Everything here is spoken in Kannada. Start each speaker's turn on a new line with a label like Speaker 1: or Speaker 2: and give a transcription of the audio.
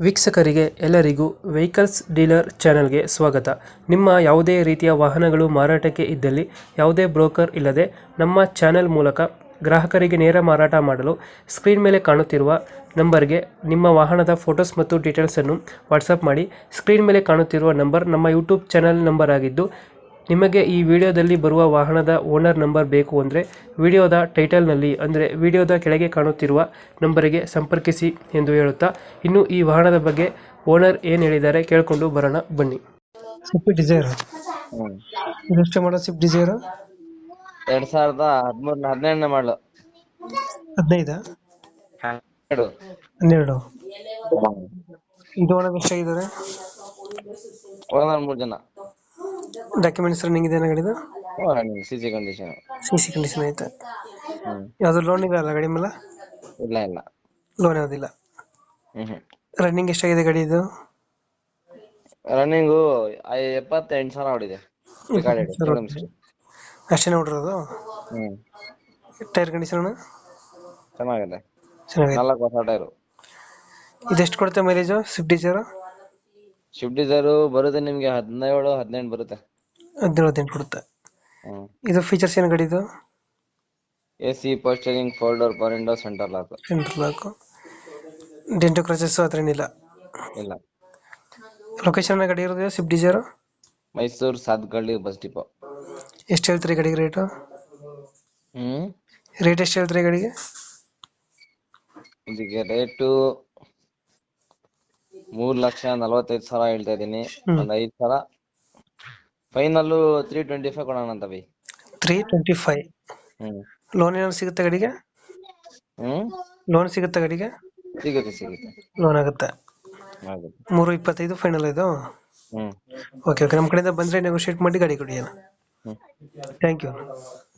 Speaker 1: ವೀಕ್ಷಕರಿಗೆ ಎಲ್ಲರಿಗೂ ವೆಹಿಕಲ್ಸ್ ಡೀಲರ್ ಚಾನೆಲ್ಗೆ ಸ್ವಾಗತ. ನಿಮ್ಮ ಯಾವುದೇ ರೀತಿಯ ವಾಹನಗಳು ಮಾರಾಟಕ್ಕೆ ಇದ್ದಲ್ಲಿ ಯಾವುದೇ ಬ್ರೋಕರ್ ಇಲ್ಲದೆ ನಮ್ಮ ಚಾನೆಲ್ ಮೂಲಕ ಗ್ರಾಹಕರಿಗೆ ನೇರ ಮಾರಾಟ ಮಾಡಲು ಸ್ಕ್ರೀನ್ ಮೇಲೆ ಕಾಣುತ್ತಿರುವ ನಂಬರ್ಗೆ ನಿಮ್ಮ ವಾಹನದ ಫೋಟೋಸ್ ಮತ್ತು ಡೀಟೇಲ್ಸನ್ನು ವಾಟ್ಸಪ್ ಮಾಡಿ. ಸ್ಕ್ರೀನ್ ಮೇಲೆ ಕಾಣುತ್ತಿರುವ ನಂಬರ್ ನಮ್ಮ ಯೂಟ್ಯೂಬ್ ಚಾನೆಲ್ ನಂಬರ್ ಆಗಿದ್ದು, ನಿಮಗೆ ಈ ವಿಡಿಯೋದಲ್ಲಿ ಬರುವ ವಾಹನದ ಓನರ್ ನಂಬರ್ ಬೇಕು ಅಂದರೆ ವಿಡಿಯೋದ ಟೈಟಲ್ನಲ್ಲಿ ಅಂದರೆ ವಿಡಿಯೋದ ಕೆಳಗೆ ಕಾಣುತ್ತಿರುವ ನಂಬರಿಗೆ ಸಂಪರ್ಕಿಸಿ ಎಂದು ಹೇಳುತ್ತಾ, ಇನ್ನು ಈ ವಾಹನದ ಬಗ್ಗೆ ಓನರ್ ಏನು ಹೇಳಿದ್ದಾರೆ ಕೇಳಿಕೊಂಡು ಬರೋಣ ಬನ್ನಿ. ಸ್ವಿಫ್ಟ್ ಡಿಸೈರ್
Speaker 2: ಹ್ಮ್
Speaker 1: ಇದೆಷ್ಟು ಮಾಡೋ ಸ್ವಿಫ್ಟ್ ಡಿಸೈರ್?
Speaker 2: 2013 ಮಾಡಲು
Speaker 1: 15
Speaker 2: 12
Speaker 1: 12 ಇದು ಒಳಗೆ ಎಷ್ಟಾಗಿದ್ದಾರೆ?
Speaker 2: ಓನರ್ 3 ಜನ.
Speaker 1: ಡಾಕ್ಯುಮೆಂಟ್ಸ್ ರನ್ನಿಂಗ್ ಇದೆ ಗಾಡಿದು?
Speaker 2: CC condition.
Speaker 1: ಸಿ ಕಂಡೀಷನ್ ಐತೆ.
Speaker 2: ಹ್ಮ್
Speaker 1: ಯಾವ್ದು ಲೋನ್ ಇದೆ ಅಲ್ಲ ಗಾಡಿ ಮೇಲೆ?
Speaker 2: ಇಲ್ಲ
Speaker 1: ಲೋನ್ ಯಾವುದಿಲ್ಲ.
Speaker 2: ಹ್ಮ್
Speaker 1: ರನ್ನಿಂಗ್ ಎಷ್ಟಾಗಿದೆ ಗಾಡಿ ಇದು?
Speaker 2: ರನ್ನಿಂಗು 78,000 ಹೊಡಿದೆ.
Speaker 1: ಅಷ್ಟೇ ನೋಡಿರೋದು?
Speaker 2: ಹ್ಮ್
Speaker 1: ಟೈರ್ ಕಂಡೀಷನ್
Speaker 2: ಚೆನ್ನಾಗಿದೆ.
Speaker 1: ಚೆನ್ನಾಗಿದೆ.
Speaker 2: 4 ಹೊಸ ಟೈರು.
Speaker 1: ಇದೆಷ್ಟು ಕೊಡುತ್ತೆ mileage Swift Dzire?
Speaker 2: Swift Dzire ಬರುತ್ತೆ ನಿಮ್ಗೆ 17-18 ಬರುತ್ತೆ.
Speaker 1: 17-18 ಕೊಡುತ್ತೆ.
Speaker 2: ಹ್ಮ್
Speaker 1: ಇದು ಫೀಚರ್ಸ್ ಏನು ಗಾಡಿದು?
Speaker 2: AC, ಪೋಸ್ಟರಿಂಗ್, folder, power window, centre lock.
Speaker 1: Central lock. Dent scratches ಹತ್ರ ಏನಿಲ್ಲ?
Speaker 2: ಇಲ್ಲ.
Speaker 1: ಲೊಕೇಶನ್ ಗಾಡಿ ಇರೋದು Swift Dzire?
Speaker 2: Mysuru Sathagalli bus depot.
Speaker 1: ಎಷ್ಟು ಹೇಳ್ತೀರಿ ಗಾಡಿಗೆ ರೇಟು?
Speaker 2: ಹ್ಮ್
Speaker 1: ರೇಟ್ ಎಷ್ಟು ಹೇಳ್ತೀರಿ ಗಾಡಿಗೆ?
Speaker 2: ಇದಕ್ಕೆ ರೇಟು 3,45,000 ಹೇಳ್ತಾ ಇದೀನಿ. ಒಂದ್ 5,000 ಫೈನಲ್ 325 ಕೊಡೋಣ ಅಂತ ಬೈ.
Speaker 1: 325.
Speaker 2: ಹ್ಮ್
Speaker 1: ಲೋನ್ ಏನಾದ್ರು ಸಿಗುತ್ತೆ ಗಾಡಿಗೆ?
Speaker 2: ಹ್ಮ್
Speaker 1: ಲೋನ್ ಸಿಗುತ್ತೆ ಗಾಡಿಗೆ?
Speaker 2: ಸಿಗುತ್ತೆ
Speaker 1: ಲೋನ್ ಆಗುತ್ತೆ.
Speaker 2: ಆಗುತ್ತೆ.
Speaker 1: 325 ಫೈನಲ್ ಇದು?
Speaker 2: ಹ್ಮ್
Speaker 1: ಓಕೆ ನಮ್ಮ ಕಡೆಯಿಂದ ಬಂದರೆ ನೆಗೋಷಿಯೇಟ್ ಮಾಡಿ ಗಾಡಿ ಕೊಡಿ.
Speaker 2: ಹ್ಮ್
Speaker 1: ಥ್ಯಾಂಕ್ ಯು.